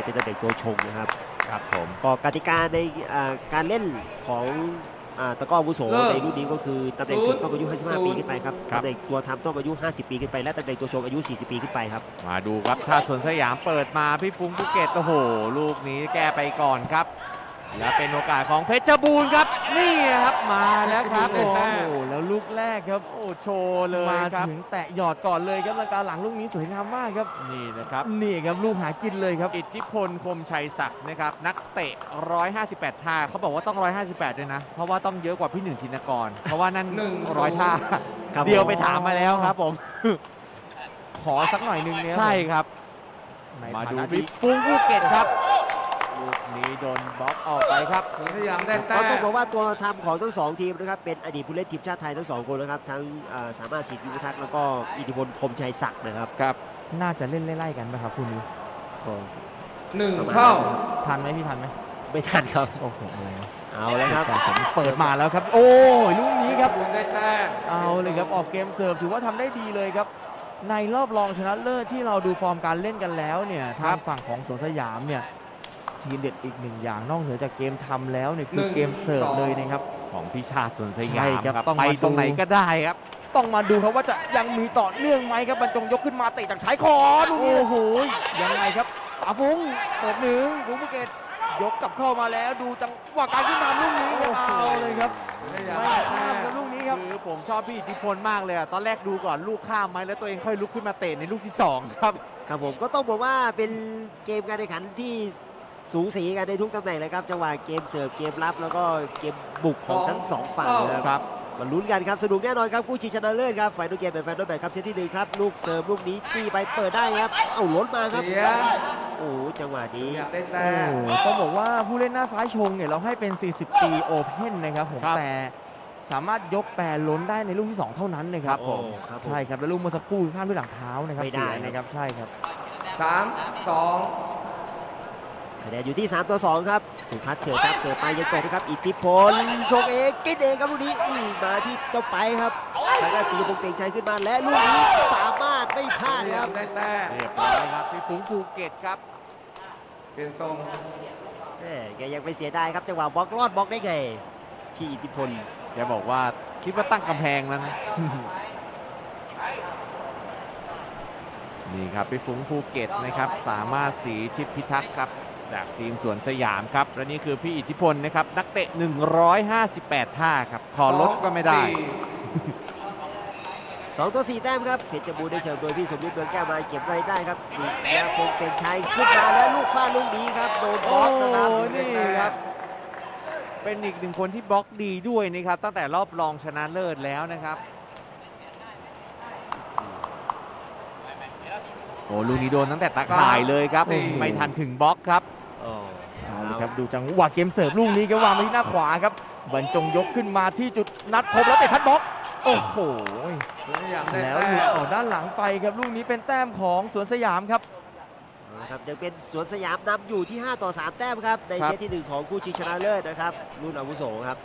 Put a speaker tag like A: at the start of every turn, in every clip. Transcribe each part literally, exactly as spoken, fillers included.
A: เป็นตำแหน่งตัวชงนะครับ
B: ครับผม
A: ก็กติกาในการเล่นของตะกร้ออาวุโสในรุ่นนี้ก็คือตำแหน่งสุดต้องอายุห้าสิบห้าปีขึ้นไปครับตำแหน่งตัวทำต้องอายุห้าสิบปีขึ้นไปและตำแหน่งตัวชงอายุสี่สิบปีขึ้นไปครับ
B: มาดูครับชาติสวนสยามเปิดมาพี่ฟุ้งภูเก็ตโอ้โหลูกนี้แก้ไปก่อนครับและเป็นโอกาสของเพชรบูรณ์ครับนี่ครับมาแล้วครับโอ้โหแล้วลูกแรกครับโอ้โชว์เลย
C: มา
B: ครับ
C: ถึงแตะหยอดก่อนเลยครับลังกาหลังลูกนี้สวยงามมากครับ
B: นี่นะครับ
C: นี่ครับลูกหากินเลยครับ
B: อิทธิพลคมชัยศักดิ์นะครับนักเตะหนึ่งร้อยห้าสิบแปดท่าเขาบอกว่าต้องหนึ่งร้อยห้าสิบแปดด้วยนะเพราะว่าต้องเยอะกว่าพี่หนึ่งธินกรเพราะว่านั่นหนึ่งร้อยท่าเดียวไปถามมาแล้วครับผม
C: ขอสักหน่อยนึงเนี่ย
B: ใช่ครับมาดูพี่ฟุ้งภูเก็ตครับลูกนี้โดนบล็อกออกไปครับ
A: พยายามได้แต้มต้องบอกว่าตัวทำของทั้งสองทีมนะครับเป็นอดีตผู้เล่นทีมชาติไทยทั้งสองคนนะครับทั้งสามารถสิทธิพิทักษ์แล้วก็อิทธิพลคมชัยศักดิ์นะครับ
C: ครับน่าจะเล่นไล่ๆกันไหมครับคู่นี้
A: หนึ่งเท่า
C: ทันไหมพี่ทันไหม
A: ไม่ทันครับ
C: โอ้โหอะไร
A: เอาแล้วครับ
C: เปิดมาแล้วครับโอ้ยลูกนี้ครับได้แต้มเอาเลยครับออกเกมเสิร์ฟถือว่าทำได้ดีเลยครับในรอบรองชนะเลิศที่เราดูฟอร์มการเล่นกันแล้วเนี่ยทางฝั่งของสวนสยามเนี่ยทีเด็ดอีกหนึ่งอย่างนอกเหนือจากเกมทำแล้วเนี่ยคือเกมเสิร์ฟเลยนะครับ
B: ของพิชาติสวนสยาม
C: ครับ
B: ต้องไปตรงไหนก็ได้ครับ
C: ต้องมาดูครับว่าจะยังมีต่อเนื่องไหมครับบรรจงยกขึ้นมาเตะจากท้ายคอดูนี่โอ้โหยังไงครับป๋าฟุ้งเปิดหนึ่งฟุ้งภูเก็ตยกกลับเข้ามาแล้วดูจังหวะการขึ้นนำลูกนี้ครับเอาเลยครับไม่ข้ามกับลูกนี้ครับ
B: คือผมชอบพี่อิทธิพลมากเลยอะตอนแรกดูก่อนลูกข้ามไหมแล้วตัวเองค่อยลุกขึ้นมาเตะในลูกที่สองครับ
A: ครับผมก็ต้องบอกว่าเป็นเกมการแข่งขันที่สูสีกันในทุกตำแหน่งเลยครับจังหวะเกมเสิร์ฟเกมรับแล้วก็เกมบุกของทั้งสองฝั่งนะครับมาลุ้นกันครับสนุกแน่นอนครับคู่ชิงชนะเลิศครับฝ่ายดูเกมเป็นแฟนโดนแบบครับเซตที่หนึ่งครับลูกเสิร์ฟลูกนี้จี้ไปเปิดได้ครับเอาล้นมาครับโอ้จังหวะนี้
C: ต้องบอกว่าผู้เล่นหน้าซ้ายชงเนี่ยเราให้เป็นสี่สิบปีโอเพ่นนะครับผมแต่สามารถยกแปรล้นได้ในลูกที่สองเท่านั้นนะครับผมใช่ครับแล้วลูกเมื่อสักครู่ข้ามด้วยหลังเท้านะครับ
A: ไม่ได้
C: นะครับใช่ครับ
A: สามสองคะแนนอยู่ที่สามต่อสองครับสุพัฒน์เฉยซับเสิร์ฟไปยังเปิดนะครับอิทธิพลชงเองกินเองครับลูกนี้มาที่เจ้าไปครับทางด้านตีพงษ์เปล่งชัยขึ้นมาและลูกนี้สามารถไม่พลาดครับ
B: ได้แต้มเรียบร้อยครับพี่ฟุ้งภูเก็ตครับ
A: เปลี่ยนทรงแกยังไปเสียดายครับจังหวะบล็อกรอดบล็อกได้ไงพี่อิทธิพล
B: แกบอกว่าคิดว่าตั้งกำแพงแล้วนะนี่ครับพี่ฟุ้งภูเก็ตนะครับสามารถศรีทิพย์พิทักษ์ครับจากทีมสวนสยามครับและนี่คือพี่อิทธิพลนะครับนักเตะหนึ่งร้อยห้าสิบแปดท่าครับขอลดก็ไม่ได้
A: สองต่อสี่แต้มครับเพชรบูรณ์ได้เสิร์ฟโดยพี่สมยุทธเมืองแก้วมาเก็บไว้ได้ครับแล้วคงเป็นชัยขึ้นมาแล้วลูกฟาดลูกนี้ครับโดนบล็อกนะครับ
B: นี่ครับเป็นอีกหนึ่งคนที่บล็อกดีด้วยนะครับตั้งแต่รอบรองชนะเลิศแล้วนะครับโอ้ลูกนี้โดนตั้งแต่ตะข่ายเลยครับไม่ทันถึงบล็อกครับ
C: เอาละครับดูจังหวะเกมเสิร์ฟลูกนี้ก็วางไปที่หน้าขวาครับบรรจงยกขึ้นมาที่จุดนัดพบแล้วเตะทัดบล็อกโอ้โหแล้วหลุดออกด้านหลังไปครับลูกนี้เป็นแต้มของสวนสยามครับ
A: นะครับยังเป็นสวนสยามนำอยู่ที่ห้าต่อสามแต้มครับในเซตที่หนึ่งของคู่ชิงชนะเลิศนะครับรุ่นอาวุโสครับ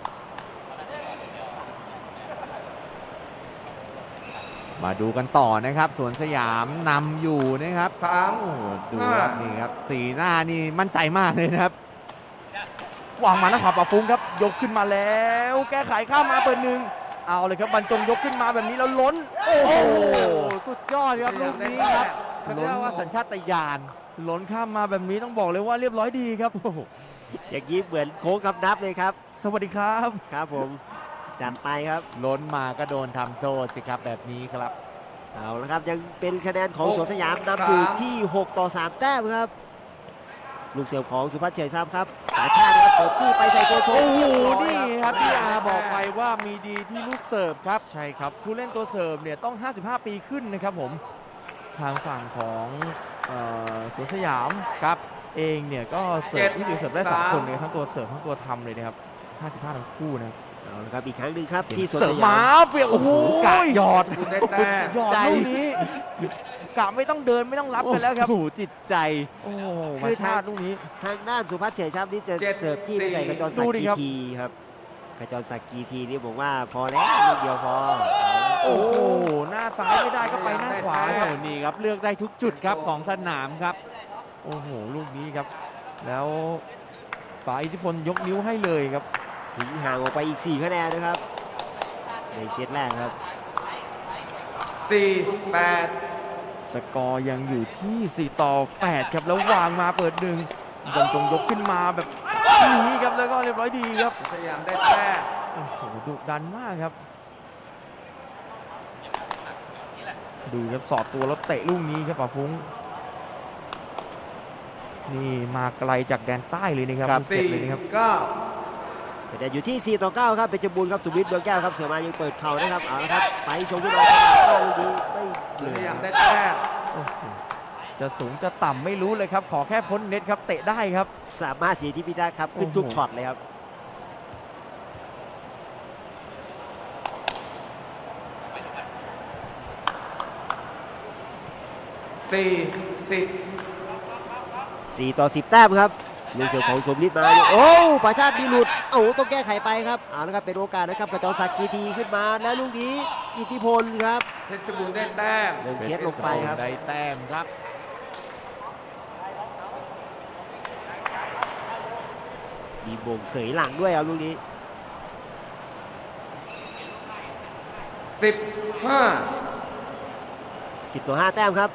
B: มาดูกันต่อนะครับสวนสยามนำอยู่นะครับสามดูครับนี่ครับสีหน้านี่มั่นใจมากเลยนะครับ
C: วางมาหน้าขวาป๋าฟุ้งครับยกขึ้นมาแล้วแก้ไขข้ามมาเปิดหนึ่งเอาเลยครับบรรจงยกขึ้นมาแบบนี้แล้วล้นโอ้โห
B: สุดยอดครับลูกนี้ครับล้นว่าสัญชาตญาณ
C: ล้นข้ามมาแบบนี้ต้องบอกเลยว่าเรียบร้อยดีครับ
A: อย่างนี้เหมือนโค้งคำนับเลยครับ
C: สวัสดีครับ
A: ครับผมจัดไปครับ
B: ล้นมาก็โดนทำโทษสิครับแบบนี้ครับ
A: เอาละครับยังเป็นคะแนนของสวนสยามนำอยู่ที่หกต่อสามแต้มครับลูกเสิร์ฟของสุพัฒน์เฉยซับครับสาชาติครับเสิร์ฟที่ไปใส่ตัวโชว์
B: โอ้โหนี่ครับพี่อาบอกไปว่ามีดีที่ลูกเสิร์ฟครับ
C: ใช่ครับผู้เล่นตัวเสิร์ฟเนี่ยต้องห้าสิบห้าปีขึ้นนะครับผมทางฝั่งของสวนสยามครับเองเนี่ยก็เสิร์ฟที่เสิร์ฟได้สองคนเลยทั้งตัวเสิร์ฟทั้งตัวทำเลยนะครับห้าสิบห้าทั้งคู่นะ
A: เอาละครับอีกครั้งหนึ่งครับที่สวน
C: สยามมาเปียกโอ้โห
B: กะหยอด
C: หยอดลูกนี้กะไม่ต้องเดินไม่ต้องรับกันแล้วครับ
B: โอ้โหจิตใจ
C: โอ้คือทางลูกนี้
A: ทางด้านสุพัฒน์เฉยชับนี่จะเสิร์ฟที่ไปใส่กระจรศักดิ์กีทีครับกระจรศักดิ์กีทีนี่บอกว่าพอแล้วนิดเดียวพอ
C: โอ้โหหน้าซ้ายไม่ได้ก็ไปหน้าขวาครับ
B: นี่ครับเลือกได้ทุกจุดครับของสนามครับ
C: โอ้โหลูกนี้ครับแล้วป๋าอิทธิพลยกนิ้วให้เลยครับ
A: ถึงห่างออกไปอีกสี่คะแนนนะครับในเซตแรกครับ
D: สี่แปด
C: สกอร์ยังอยู่ที่สี่ต่อแปดครับแล้ววางมาเปิดหนึ่งบอลจงยกขึ้นมาแบบนี้ครับแล้วก็เรียบร้อยดีครับ
D: สยามได้แต้ม
C: โอ้โหดุดันมากครับดูครับสอดตัวแล้วเตะลูกนี้ครับป๋าฟุ้งนี่มาไกลจากแดนใต้เลยนะครับภูเก็ต
D: สี่
C: เลยนะครับ
D: เก้า
A: แต่อยู่ที่สี่ต่อเก้าครับเป็นจบูรณ์ครับสุวิทย์เบืองแก้วครับเสือมายังเปิดเข่านะครับเอาละครับไปชมพี่น้องว่าลูกนี้ไม่เห
D: ส
A: ลื
D: ยาม
A: อ
D: ได้แต้ม
C: โอ้โหจะสูงจะต่ำไม่รู้เลยครับขอแค่พ้นเน็ตครับเตะได้ครับ
A: สามารถเสียที่พิทักษ์ครับขึ้นทุก
C: โอ้โห
A: ช็อตเลยครับ
D: สี่สิบ
A: สี่ต่อสิบแต้มครับลูกเสือของสมฤทธิ์มาโอ้ประชาติมีหลุดเอ้าต้องแก้ไขไปครับเอาละครับเป็นโอกาสนะครับกระจรศักดิ์กีทีขึ้นมาแล้วลูกนี้อิทธิพลครับ
D: เพชรบูรณ์ได้แต้ม
A: เดินเช็ดลงไปครับ
B: ได้แต้มครับ
A: มีโบงเสยหลังด้วยครับลูกนี้
D: สิบห้า
A: สิบต่อห้าแต้มครับ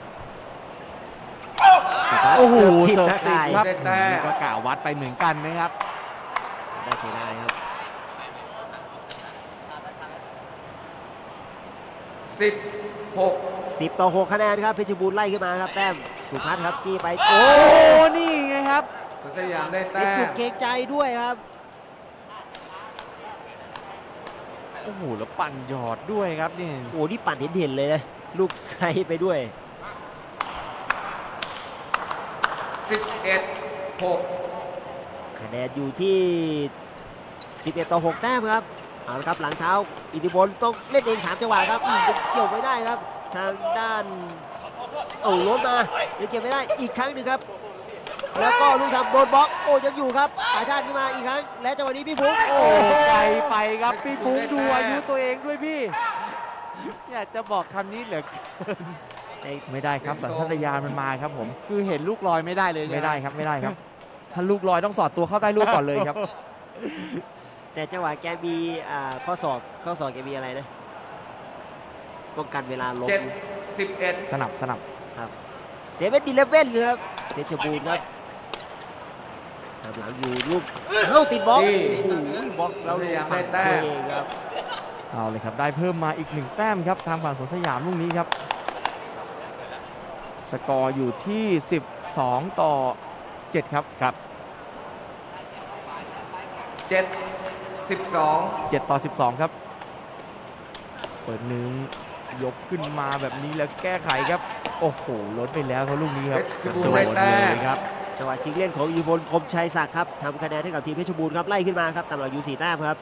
B: โอ้โห
A: ผิด
B: เสิร์ฟ
A: นะ
B: ติด
A: กาย
B: ครับ
D: ได้แต้ม
B: ก็กล่าววัดไปเหมือนกันนะครับ
A: ได้เสียดายครับ
D: สิบหก
A: สิบต่อหกคะแนนครับเพชรบูรณ์ไล่ขึ้นมาครับแต้มสุพัฒน์ครับจี้ไป
B: โอ้นี่ไงครับ
D: สยามได้
A: เป็น
D: แต้
A: จุด
D: ม
A: เกรงใจด้วยครับ
B: โอ้โหแล้วปั่นหยอดด้วยครับนี่
A: โอ้นี่ปั่นเห็นๆเลยนะลูกไซไปด้วย
D: สิบเอ็ดหก
A: คะแนนอยู่ที่สิบเอ็ดต่อหกแต้มครับเอาละครับหลังเท้าอิทธิพลต้องเล่นเองสามจังหวะครับอืมยังเกี่ยวไม่ได้ครับ ทางด้านโอ้ล้มมายังเกี่ยวไม่ได้อีกครั้งหนึ่งครับ แล้วก็ลูกทำโดนบล็อกโอ้ยังอยู่ครับปาชาติขึ้นมาอีกครั้งและจังหวะนี้พี่ฟุ้งโอ้
B: โอ้ไกลไปครับพี่ฟุ้งดูอายุตัวเองด้วยพี่ อยากจะบอกคำนี้เหลือเกิน
C: ไม่ได้ครับสัญชาตญาณมันมาครับผม
B: คือเห็นลูกลอยไม่ได้เลย
C: ไม่ได้ครับไม่ได้ครับ ถ้าลูกลอยต้องสอดตัวเข้าใต้ลูกก่อนเลยครับ
A: แต่จังหวะแกมีอ่าข้อศอกข้อศอกแกมีอะไรนะป้องกันเวลาล้ม
D: เจ็ดสิบเอ็ด
C: สนับสนับ
A: เซเว่นดีเลฟเว่นครับเพชรบูรณ์ครับทำหลังอยู่ลูกเข้าติดบล็อกโอ้โหบล็อกแล้วฝั่งตัวเองครับ
C: เอาเลยครับได้เพิ่มมาอีกหนึ่งแต้มครับทางฝั่งสวนสยามลูกนี้ครับ สกอร์อยู่ที่สิบสองต่อเจ็ดครับครับ
D: เจ็ดสิบสอง
C: เจ็ดต่อสิบสองครับ เปิดหนึ่งยกขึ้นมาแบบนี้แล้วแก้ไขครับ โอ้โหลดไปแล้วเขาลูกนี้ค
D: เพ
C: รับ
D: ชรบูรณ์ได้แต้ม
B: ครับ
A: จังหวะชิงเล่นของอิทธิพลคมชัยศักดิ์ครับทำคะแนนให้กับทีมเพชรบูรณ์ครับไล่ขึ้นมาครับตามหลังอยู่สี่แต้มครับ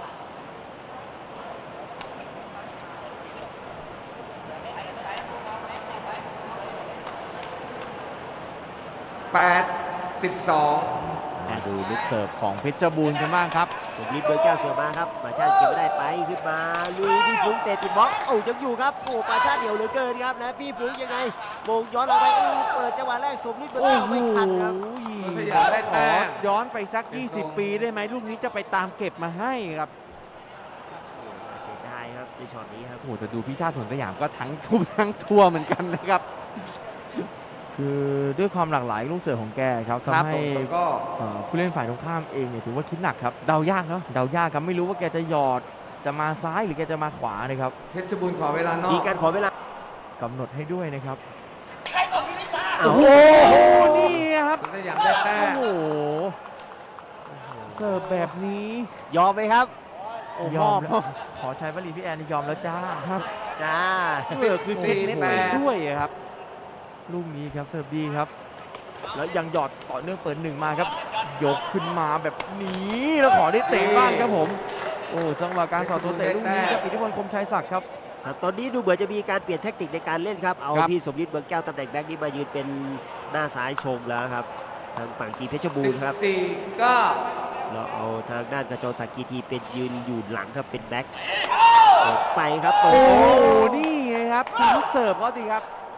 D: แปดสิบสอง
B: มาดูลูกเสิร์ฟของเพชรบูรณ์กันบ้างครับ
A: สมฤทธิ์เบอร์แก้วเสือมาครับปาชาติเก็บไม่ได้ไปขึ้นมาลุยพี่ฟุ้งเตะติดบล็อกโอ้ยังอยู่ครับโอ้ปาชาติเดี่ยวเหลือเกินครับและพี่ฟุ้งยังไงโมงย้อนหลังไปโอ้เปิดจังหวะแรกสมฤทธิ์เบอร์
B: โอ้
A: แก้ว
B: โห
A: ไม่ทันครับ
D: สยามได้
B: ข
D: แต้
B: อ
D: ม
B: ย้อนไปสัก ยี่สิบ ปีได้ไหมลูกนี้จะไปตามเก็บมาให้ครับ
A: เสียดายครับในช็อตนี้ครับ
B: โอ้โหแต่ดูพี่ชาติสวนสยามก็ทั้งทุ่มทั้งทัวร์เหมือนกันนะครับ
C: คือด้วยความหลากหลายลูกเสิร์ฟของแกครับ
B: ครับ
C: ทำให้
D: แล้วก็
C: เอ่อผู้เล่นฝ่ายตรงข้ามเองเนี่ยถือว่าคิดหนักครับ
B: เดายากเนาะ
C: เดายากครับไม่รู้ว่าแกจะหยอดจะมาซ้ายหรือแกจะมาขวานะครับ
D: เพชรบูรณ์ขอเวลานอ
A: มี
D: ก
A: การขอเวลาก
C: ำหนดให้ด้วยนะครับ
A: โอ้โห
B: โอ้โหนี่ครับ
D: สยามได้แต้
B: โอ้
D: ม
B: โหเสิร์ฟแบบนี้
A: ยอมไหมครับ
B: โอ้
C: ย
B: พ่
C: อ
B: อ
C: มแล้ว
B: พ่อ
C: ขอใช้วลีพี่แอนยอมแล้วจ้าครับ
A: จ้า
B: เสิร์ฟคือเซ็ตเน็ตไปด้วยอะครับ
C: ลูกนี้ครับเสิร์ฟดีครับ แล้วยังหยอดต่อเนื่องเปิดหนึ่งมาครับ ยกขึ้นมาแบบนี้แล้วขอได้เตะบ้างครับผม โอ้จังหวะการสอดตัวเตะลูกนี้ครับอิทธิพลคมชัยศักดิ์ครับ
A: ครับตอนนี้ดูเหมือนจะมีการเปลี่ยนแทคนิคในการเล่นครับ เอา
B: ครับ
A: พี่สมฤทธิ์เบืองแก้วตำแหน่งแบ็คนี้มายืนเป็นหน้าซ้ายชมแล้วครับ ทางฝั่งทีมเพชรบู
D: สิ
A: ร
D: บ
A: ณ์ครับ
D: สี่เก้า
A: แล้วเอาทางด้านกระจรศักดิ์กีทีเป็นยืนอยู่หลังครับเป็นแบ็คเปิดไปครับเปิด
B: โอ้
A: โอ้
B: โหนี่ไงครับคือลูกเสิร์ฟเขาสิครับ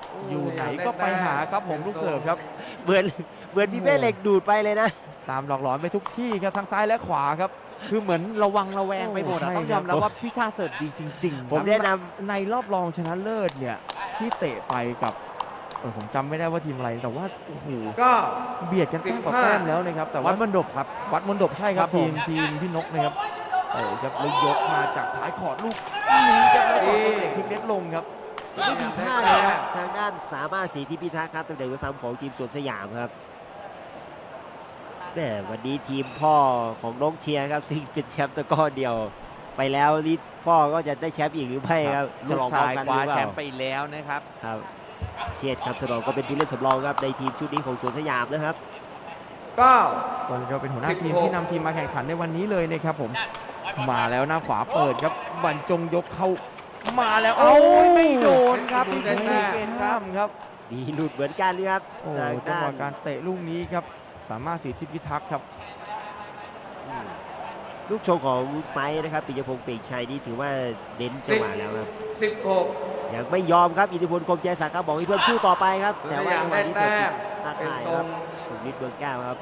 C: อยู่ไหนก็ไปหาครับผมลูกเสิร์ฟครับ
A: เหมือนเหมือนพี่เป้เหล็กดูดไปเลยนะ
C: ตามหลอกหลอนไปทุกที่ครับทั้งซ้ายและขวาครับ
B: คือเหมือนระวังระแวงไปหมดอะ
C: โอ้ใช่
B: ต้องยอมรับว่าพี่ชาติเสิร์ฟดีจริงๆ
A: ผม
B: ครับ
A: แนะนำ
C: ในรอบรองชนะเลิศเนี่ยที่เตะไปกับเออผมจำไม่ได้ว่าทีมอะไรแต่ว่าโอ้โห
D: ก็
C: เบียดกันแต้มต่อแต้มแล้วนะครับแต่
B: วั
C: ว่า
B: ดมันดบครับ
C: วัดมนดบใช่ครับ
B: ครับผ
C: ที
B: ม
C: มทีมพี่นกนะครับโอ้ครับแล้วยกมาจากท้ายขอดลูกนี้ครับแล้วสองตัวเตะพลิกเน็ตลงครับ
A: ไม่มีท่าเลยครับทางด้านสามารถศรีที่พิทักษ์ครับตำแหน่งตัวทำของทีมสวนสยามครับแหมวันนี้ทีมพ่อของน้องเชียร์ครับซึ่งเป็นแชมป์ตะกร้อเดียว ไปแล้วนี่พ่อก็จะได้แชมป์อีกหรือไม่ครับ
B: ลู
A: จะ
B: ก
A: ลองพร้อ
B: ชาม ย
A: กัน
B: คว้า
A: หรือเป
B: แช
A: ล่าม
B: ป์ไปแล้วนะครับ
A: ครับเชียดครับสนองก็เป็นผู้เล่นสำรองครับในทีมชุดนี้ของสวนสยามนะครับ
D: เก้า
C: ก็ก็เป็นหัวหน้าทีม
D: สิบหก
C: ที่นำทีมมาแข่งขันในวันนี้เลยนะครับผมมาแล้วหน้าขวาเปิดครับบรรจงยกเข้ามาแล้ว
B: โอ้ยไม่
C: โ
B: โดนครับพี่
C: ไม่
B: ภู
C: ได้
B: เก็ตค
C: ข้า
B: รับ
C: มครับ
A: มีหลุดเหมือนกันเลยครับ
C: โอ้
A: ทาง
C: จัง
A: ด้า
C: ห
A: น
C: วะการเตะลูกนี้ครับสามารถสีทิพย์พิทักษ์ครับ
A: อืมลูกโชว์ของไม้นะครับปิยพงษ์เปล่งชัยนี่ถือว่าเน้นจังหวะแล้วครับ
D: สิบหก
A: ยังไม่ยอมครับอิทธิพลคมใจศักดิ์ครับบอกให้เพื่อนสู้ต่อไปครับ
D: สวน
A: แต่
D: ส
A: ว่าย
D: าม
A: จังหวะ
D: ได้
A: นี้เสิร์
D: แต้
A: ฟ
D: ม
A: ตา
D: เป็น
A: ข่าย
D: ท
A: ค
D: ร
A: รั
D: ง
A: บสุนิทเบืองแก้วครับ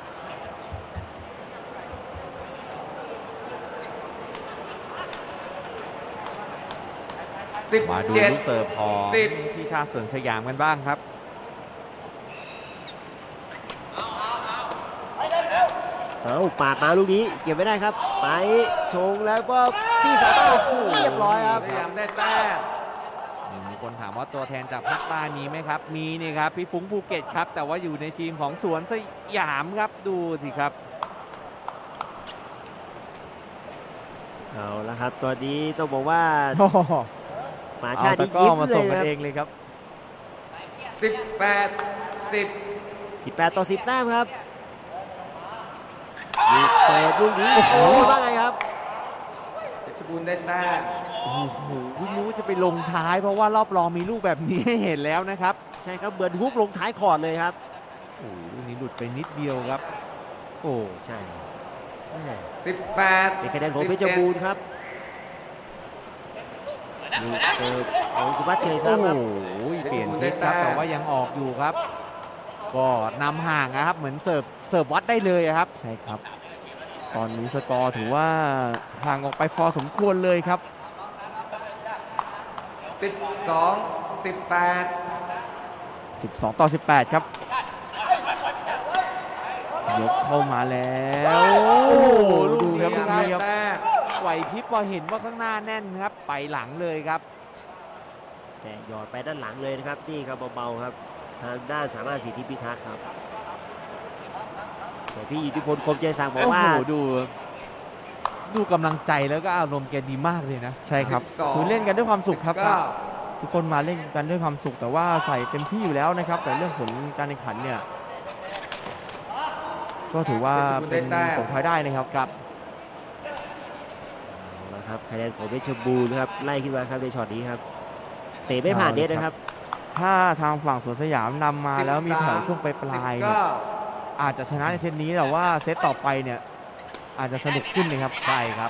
D: สิบ
B: มาดู
D: เจ็ด
B: ลูกเสิร์ฟของ
D: สิบ
B: พี่ชาติสวนสยามกันบ้างครับ
A: เอาปาดมาลูกนี้เก็บไม่ได้ครับไปชงแล้วก็พี่สามารถเรียบร้อยครับ
D: สยามได้แต้ม
B: มีคนถามว่าตัวแทนจากภาคใต้มีไหมครับ มีนี่ครับพี่ฟุ้งภูเก็ตครับ แต่ว่าอยู่ในทีมของสวนสยามครับดูสิครับ
A: เอาละครับตอนนี้ต้องบอกว่า
C: โอ้โห
A: หมา
C: เอา
A: ชาติ
C: ตะ
A: นี่
C: กร้อ
A: ยิ้ม
C: มา
A: เล
C: ส่ง
A: ย
C: กัน
A: ครับ
C: เองเลยครับ
D: สิบแปดสิบ
A: สิบแปดต่อสิบแต้มครับลูกเสิร์ฟลูกนี้โอ้โหว่าไงครับ
D: เพชรบูรณ์ได้แต้ม
B: โอ้โหเพิ่งรู้ว่าจะไปลงท้ายเพราะว่ารอบรองมีลูกแบบนี้ให้เห็นแล้วนะครับ
A: ใช่ครับเหมือนฮุกลงท้ายคอร์ดเลยครับ
B: โอ้โหลูกนี้หลุดไปนิดเดียวครับ
A: โอ้ใช่แม่
D: สิบแปด
A: เป็นคะแนนของเพชรบูรณ์ครับลูกเสิร์ฟของสุภัชเชยทรั
B: โอ้
A: พย์
B: โห
A: ครับ
B: เปลี่ยนทิศครับแต่ว่ายังออกอยู่ครับ ก็นำห่างนะครับ เหมือนเสิร์ฟเสิร์ฟวัดได้เลยอะครับ
C: ใช่ครับ ตอนนี้สกอร์ถือว่าห่างออกไปพอสมควรเลยครับ
D: สิบสองสิบแปด
C: สิบสองต่อสิบแปดครับ ยกเข้ามาแล้ว
B: โอ้โหลูก
C: ดู
B: นี้
C: ครับ
B: ค
C: ลู
B: รั
C: ก
B: บ
C: นี้ครับ
D: แต้ม
B: ไหวพริบพอเห็นว่าข้างหน้าแน่นครับ ไปหลังเลยครับ
A: แต่หยอดไปด้านหลังเลยนะครับนี่ครับเบาๆครับทางด้านสามารถสิทธิพิทักษ์ครับแต่พี่อิทธิพลคมใจสั่งบอก
B: โอ้
A: ว่า
B: โหดู ดูกำลังใจแล้วก็อารมณ์แกดีมากเลยนะ
C: ใช่ครับ
D: สิบสอง
C: คือเล่นกันด้วยความสุขครับ
D: เก้า
C: ทุกคนมาเล่นกันด้วยความสุขแต่ว่าใส่เต็มที่อยู่แล้วนะครับ แต่เรื่องผลการแข่งขันเนี่ยก็ถือว่าเป็นผลพลอยได้นะครับครับ
A: เอาละครับคะแนนของเพชรบูรณ์ครับไล่ขึ้นมาครับในช็อตนี้ครับเตะไม่ผ่านเน็ตนะครับ
C: ถ้าทางฝั่งสวนสยามนำมาแล้วมีแถวช่วงปลายๆเนี่ย
D: เก้า
C: อาจจะชนะในเซตนี้แต่ว่าเซตต่อไปเนี่ยอาจจะสนุกขึ้นนะครับ
B: ใช่ครับ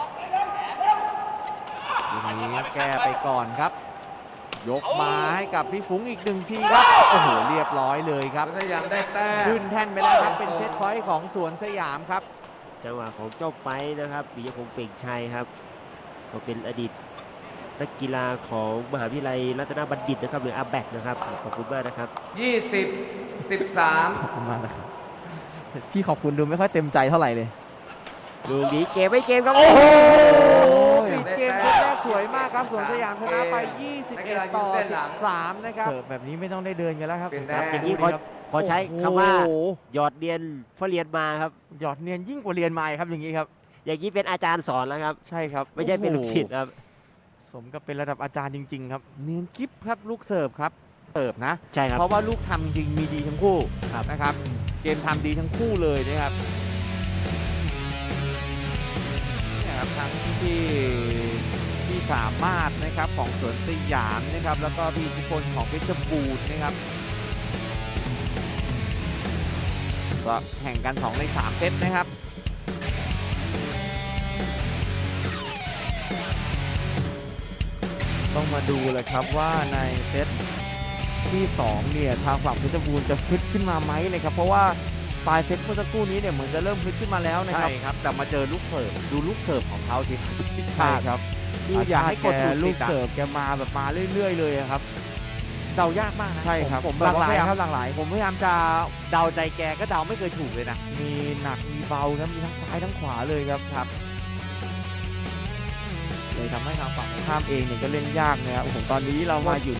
B: ทีนี้แก้ไปก่อนครับ ยกมาให้กับพี่ฟุ้งอีกหนึ่งทีครับ โอ้โห เรียบร้อยเลยครับ
D: สยามได้แต้ม
B: ขึ้นแท่นไปแล้วครับ เป็นเซตพอยต์ของสวนสยามครับ
A: จังหวะของเจ้าไปนะครับปิยพงษ์เปล่งชัยครับเขาเป็นอดีตนักกีฬาของมหาวิทยาลัยรัตนบัณฑิตนะครับหรืออาแบกนะครับขอบคุณมากนะครับ
D: ยี่สิบสิบสาม
C: ขอบคุณมากนะครับพี่ขอบคุณดูไม่ค่อยเต็มใจเท่าไหร่เลย
A: ลูกนี้เกมไม่เกมครับโอ้โห
B: ปิดเกมเซตแรกสวยมากครับสวนสยามชนะไป ยี่สิบเอ็ด ต่อ สิบสาม นะครับ
C: เสิร์ฟแบบนี้ไม่ต้องได้เดินกันแล้วครับ
D: เป็น
A: ค
D: แต้
A: รับ
D: ม
A: อย่างนี้ขอขอใช้คำว่า
C: โอ้โห
A: หยอดเรียนเพราะเรียนมาครับ
C: หยอดเนียนยิ่งกว่าเรียนมาอีกครับอย่างนี้ครับ
A: อย่างนี้เป็นอาจารย์สอนแล้วครับ
C: ใช่ครับ
A: ไม่ใช่เป็นลูกศิษย์
C: โอ้โห
A: ครับ
C: สมกับเป็นระดับอาจารย์จริง ๆ ครับ
B: เนียนกิฟครับลูกเสิร์ฟครับ เสิร์ฟนะ
A: ใช่ครับ
B: เพราะว่าลูกทำจริงมีดีทั้งคู่นะครับ เกมทำดีทั้งคู่เลยนะครับเนี่ยครับทั้งที่ที่สามารถนะครับของสวนสยามนะครับ แล้วก็พี่อิทธิพลของเพชรบูรณ์นะครับก็แข่งกันสองในสามเซตนะครับ
C: ต้องมาดูเลยครับว่าในเซตที่สองเนี่ยทางฝั่งเพชรบูรณ์จะฮึดขึ้นมาไหมนะครับเพราะว่าปลายเซตเมื่อสักครู่นี้เนี่ยเหมือนจะเริ่มฮึดขึ้นมาแล้วนะค
B: ใช่
C: รับ
B: ครับแต่มาเจอลูกเสิร์ฟดูลูกเสิร์ฟของเขาสิครับ
C: ใช่ครับ
B: คืออยากให้กด
C: แก
B: จุด
C: ลู
B: ติ
C: ก
B: ดอะ
C: เสิร์ฟแกมาแบบมาเรื่อยๆเลยอะครับ
B: เดายากมากนะ
C: ใช่ครับ
B: ผม
C: ห
B: แบ
C: ลา
B: บ
C: กห
B: ว่า
C: ลา
B: พ
C: ย
B: ยายาม
C: ครับหลากหลาย
B: ผมพยายามจะเดาใจแกก็เดาไม่เคยถูกเลยนะ
C: มีหนักมีเบาครับมีทั้งซ้ายทั้งขวาเลยครับครับเลยทำให้ทางฝั่งตรงข้ามเองเนี่ยก็เล่นยากนะครับโอ้โหตอนนี้เรามาอยู่